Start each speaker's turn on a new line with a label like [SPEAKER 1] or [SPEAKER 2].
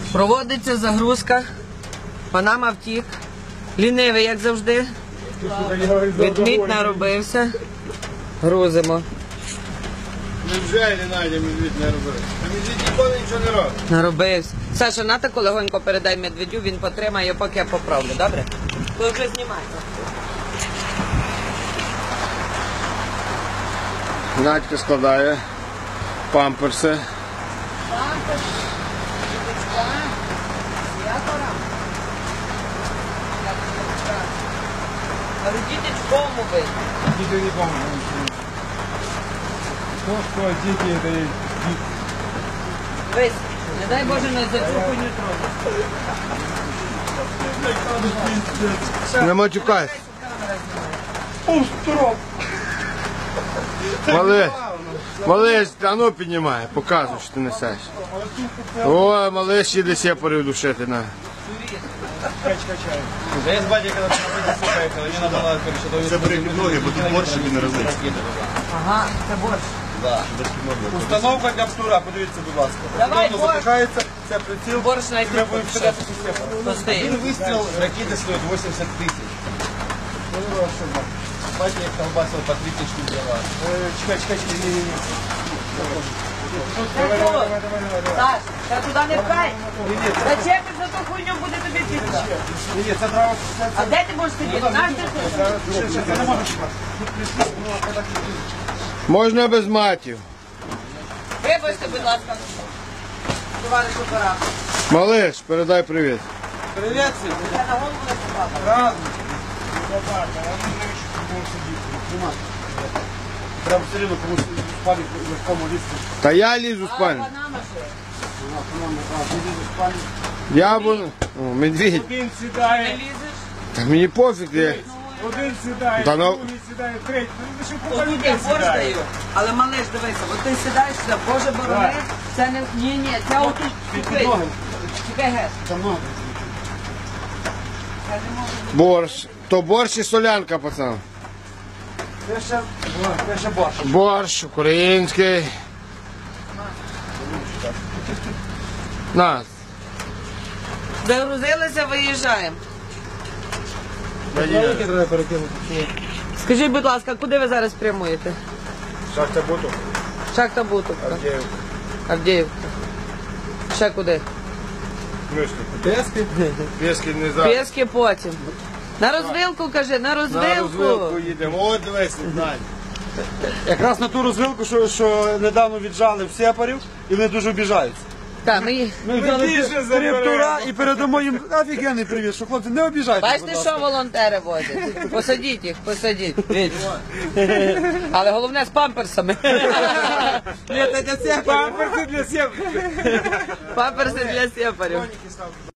[SPEAKER 1] Проводиться загрузка. Панама втік. Лінивий, як завжди. Ведмідь наробився. Грузимо.
[SPEAKER 2] Невже Надя медвідь не робив? А медвідь ніколи нічого не робить.
[SPEAKER 1] Наробився. Саша, на таку легонько передай медведю, він потримає, поки я поправлю, добре? То вже знімайте.
[SPEAKER 2] Надька складає памперси.
[SPEAKER 1] Памперс, діточка, святора. Але діточком убий.
[SPEAKER 2] Діти не помню. Що, діти, це є діти.
[SPEAKER 1] Вись, не дай Боже, не за цю хуйню тронуть.
[SPEAKER 2] Не матюкайся.
[SPEAKER 3] Остров!
[SPEAKER 2] Малиш, а ну піднімай, показуй, що ти несеш. О, малиш їде сепарів душити на.
[SPEAKER 3] Да я с батей когда на пути поехал, мне надо было, короче,
[SPEAKER 4] Забери ноги, бо тут борщ собі не розлиться.
[SPEAKER 1] Ага, це борщ.
[SPEAKER 3] Да. Установка для птура, подивіться, будь ласка.
[SPEAKER 1] Давай,
[SPEAKER 3] Воно запихається, це приціл,
[SPEAKER 1] Борщ
[SPEAKER 3] і
[SPEAKER 1] знайти.
[SPEAKER 3] ми будемо стріляти зі степа.
[SPEAKER 1] Пустий.
[SPEAKER 3] Один вистріл ракети стоїть 80 тисяч. Батя як колбасил по 30 штук взяла. Чекай, ні.
[SPEAKER 1] Саш, та туди не пхай. Зачепиш за ту хуйню, буде тобі пізно.
[SPEAKER 3] Ні, це треба...
[SPEAKER 1] А де ти можеш сидіти? Наш ти тут?
[SPEAKER 3] Я не можу чекати.
[SPEAKER 2] Можна без матів.
[SPEAKER 1] Вибачте, будь ласка, товариш оператор.
[SPEAKER 2] Малиш, передай привіт.
[SPEAKER 3] Привіт, всім.
[SPEAKER 1] Я на голову не попала.
[SPEAKER 3] Разом. Треба все рівно комусь спати в легкому лісі.
[SPEAKER 2] Та я лізу в
[SPEAKER 1] А
[SPEAKER 2] спальню.
[SPEAKER 1] Панама ще?
[SPEAKER 2] Я буду... О, медведь.
[SPEAKER 3] Один
[SPEAKER 1] Не
[SPEAKER 3] сідає,
[SPEAKER 1] лізеш?
[SPEAKER 2] Та мені пофіг, я...
[SPEAKER 3] один сідає,
[SPEAKER 2] Та ну-
[SPEAKER 3] другий сідає, третій. Ну, що
[SPEAKER 1] Отут я
[SPEAKER 3] людей
[SPEAKER 1] борщ
[SPEAKER 3] сідає.
[SPEAKER 1] даю. Але малиш, дивися, от ти сідаєш сюди, Боже борони, це не... Ні, це отут. Чекай, чекай, геш.
[SPEAKER 3] Та много.
[SPEAKER 2] Борщ. То борщ і солянка, пацан.
[SPEAKER 3] Перше борщ.
[SPEAKER 2] Борщ український. На.
[SPEAKER 1] Загрузилися, виїжджаємо.
[SPEAKER 3] Великі треба перекинути.
[SPEAKER 1] Скажіть, будь ласка, куди ви зараз прямуєте?
[SPEAKER 2] Шахта буту.
[SPEAKER 1] Шахта Бутовка. Авдіївка. Ще куди?
[SPEAKER 3] Тески?
[SPEAKER 2] Пєски не зараз.
[SPEAKER 1] Пєски потім. На розвилку, кажи, на
[SPEAKER 2] На
[SPEAKER 1] розвилку.
[SPEAKER 2] розвилку їдемо. От дивись, Надя.
[SPEAKER 3] Якраз на ту розвилку, що недавно віджали в сепарів, і вони дуже обіжаються.
[SPEAKER 1] Так, ми...
[SPEAKER 3] Ми взяли три птура і передамо їм офігенний привіт, що хлопці не обіжайтеся.
[SPEAKER 1] Бачите, що волонтери возять? Посадіть їх, посадіть. Але головне з памперсами.
[SPEAKER 3] Ні, це для всіх. Памперси для всіх.
[SPEAKER 1] Памперси для сепарів.
[SPEAKER 3] Коніки ставте.